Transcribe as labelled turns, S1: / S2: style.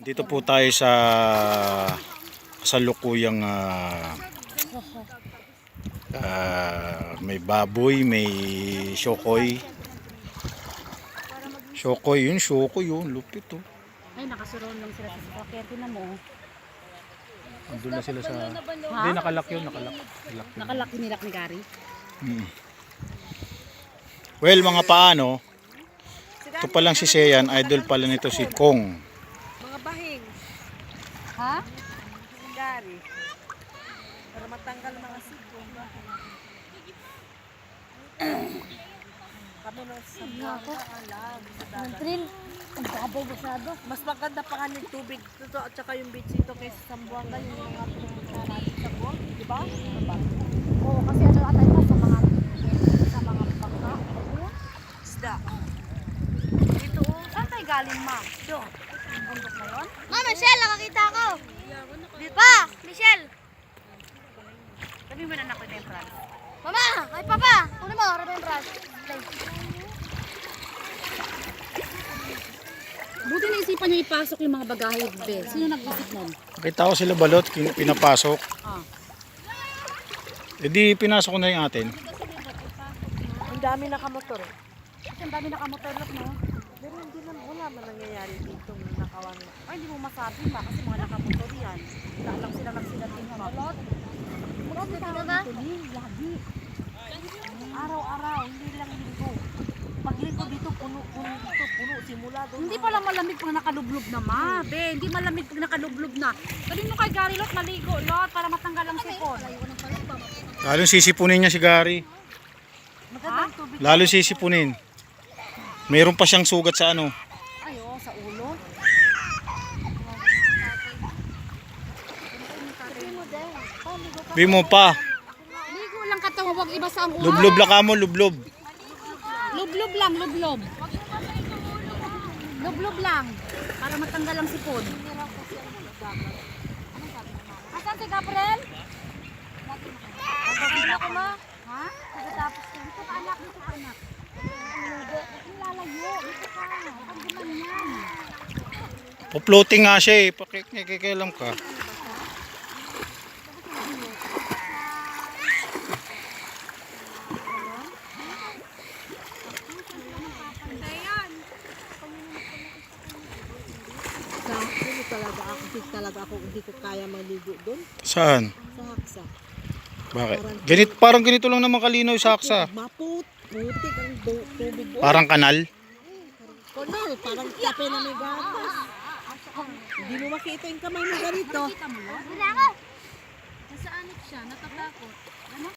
S1: Dito po tayo sa kasalukuyang may baboy, may shokoy. Shokoy yun, lupit oh.
S2: Ay, nakasuroon lang sila sa sasakyan. Tinan mo.
S1: Andun na sila sa...
S2: Ha?
S1: Hindi, nakalak yun, nakalak.
S2: Nakalaki nilak ni Gary.
S1: Well, mga paano, ito pa lang si Sean, idol pala nito si Kong.
S3: Mga bahing.
S2: Ha?
S3: Gari. Para matanggal mga siko. Kami nung sa Blanca, alam. Sa dagat.
S2: Ang babaw masyado.
S3: Mas maganda pa nga yung tubig dito at saka yung beach dito kaysa sa Buanga, yung mga pinunta natin sa Buang. Di ba?
S2: Oo, kasi ano atay pa sa mga bangka.
S3: Isda. Dito oh. Saan tayo galing, ma? Dito. Ang bundok na yun?
S4: Ma, Michelle, nakakita ko. Pa, Michelle.
S2: Sabi mo na naku na yung France.
S4: Mama, ay papa. Kunin mo, remembrance.
S2: Buti naisipan niya ipasok yung mga bagahe, be. Sino nag-isip nun?
S1: Nakita ko sila balot, pinapasok.
S2: Ah.
S1: E di pinasok ko na yung atin.
S3: Ang dami nakamotor eh.
S2: Kasi ang dami nakamotorlok, no?
S3: Pero hindi naman, wala man nangyayari dito na nakawan.
S2: Ay, hindi mo masabi ba? Kasi mga nakamotor yan. Wala lang sila nagsilating ng balot.
S4: Ano ba?
S2: Lagi. Araw-araw, hindi lang linggo. Paglinggo dito, puno simula doon. Hindi pala malamig pag nakalublob na, ma. Be, hindi malamig pag nakalublob na. Sabihin mo kay Gary, Lot, maligo, Lot, para matanggal ang sipon.
S1: Lalo sisipunin niya si Gary.
S3: Maganda yung tubig.
S1: Lalo sisipunin. Mayroon pa siyang sugat sa ano.
S2: Ay, oh, sa ulo.
S1: Sabi mo pa.
S2: Ligo lang katawan, wag iba sa ang ulo.
S1: Lublob lang ka mo, lublob.
S2: Lublob lang, lublob. Lublob lang. Para matanggal ang sipon. Asan si Gabriel?
S4: Ano ko, ma?
S2: Ha?
S4: Pagkatapos ko.
S2: Dito ka anak, dito ka anak. Ang lalayo, dito ka. Ang guman yan.
S1: Po-floating nga siya eh. Pakikilam ka.
S3: Talaga ako hindi ko kaya maligo doon
S1: Saan?
S3: sa Haksa.
S1: Bakit? Parang ganito lang naman kalinaw sa Haksa.
S3: Putik ang tubig doon.
S1: Parang kanal.
S3: Konal, parang kape na may gatas. Hindi mo makita yung kamay mo ganito.
S2: Kita mo yun?
S4: Wala ko.
S2: Nasaan siya? Natatakot. Ano?